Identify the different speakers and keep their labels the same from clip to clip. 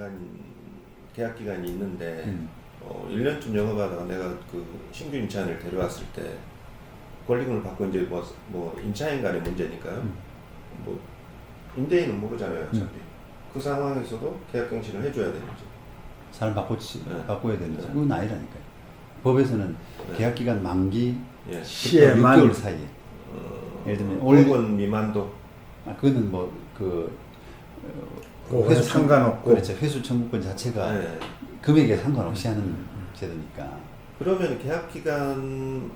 Speaker 1: 계약 기간이 있는데 1년쯤 영업하다가 내가 그 신규 임차인을 데려왔을 때 권리금을 받고 이제 뭐 임차인 간의 문제니까요. 뭐 임대인은 모르잖아요, 어차피. 그 상황에서도 계약 갱신을 해줘야 되는지.
Speaker 2: 사람
Speaker 1: 네.
Speaker 2: 바꿔야 되는지.
Speaker 1: 네.
Speaker 2: 그건 아니라니까요. 법에서는
Speaker 1: 네.
Speaker 2: 계약 기간 만기
Speaker 1: 예.
Speaker 3: 시에만
Speaker 2: 6개월 사이에. 예를 들면
Speaker 1: 5억 미만도.
Speaker 2: 그거는 뭐
Speaker 3: 그거는 상관없고.
Speaker 2: 그렇죠. 회수 청구권 자체가
Speaker 1: 네.
Speaker 2: 금액에 상관없이 하는 제도니까.
Speaker 1: 그러면 계약 기간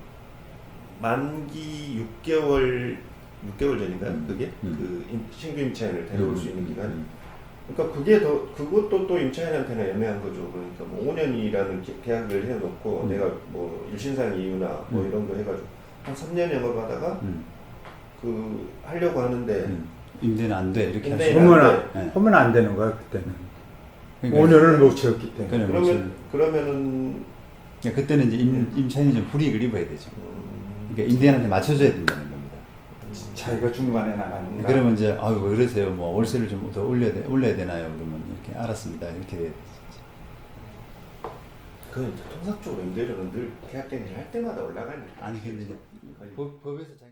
Speaker 1: 만기 6개월 전인가요? 그게 그 신규 임차인을 데려올 수 있는 기간이. 그러니까 그것도 또 임차인한테는 애매한 거죠. 그러니까 뭐 5년이라는 계약을 해놓고 내가 뭐 일신상 이유나 뭐 이런 거 해가지고 한 3년 영업하다가 그 하려고 하는데
Speaker 2: 임대는 안 돼. 이렇게 할
Speaker 1: 임대는
Speaker 2: 수
Speaker 1: 안
Speaker 3: 하면,
Speaker 1: 돼.
Speaker 2: 네.
Speaker 3: 하면 안 되는 거야, 그때는.
Speaker 2: 그러니까
Speaker 3: 5년을 못 채웠기 때문에.
Speaker 1: 그러면은
Speaker 2: 그때는 이제 임차인이 좀 불이익을 입어야 되죠. 그러니까 임대인한테 맞춰줘야 된다는 겁니다.
Speaker 3: 자기가 중간에 나가는 거.
Speaker 2: 그러면 이제 아유 왜 그러세요? 뭐 월세를 좀 더 올려야 되나요? 그러면 이렇게 알았습니다. 이렇게 돼야 되죠.
Speaker 1: 그건 통상적으로 임대료는 늘 계약 갱신을 할 때마다 올라가니까.
Speaker 2: 아니 근데 이제 법에서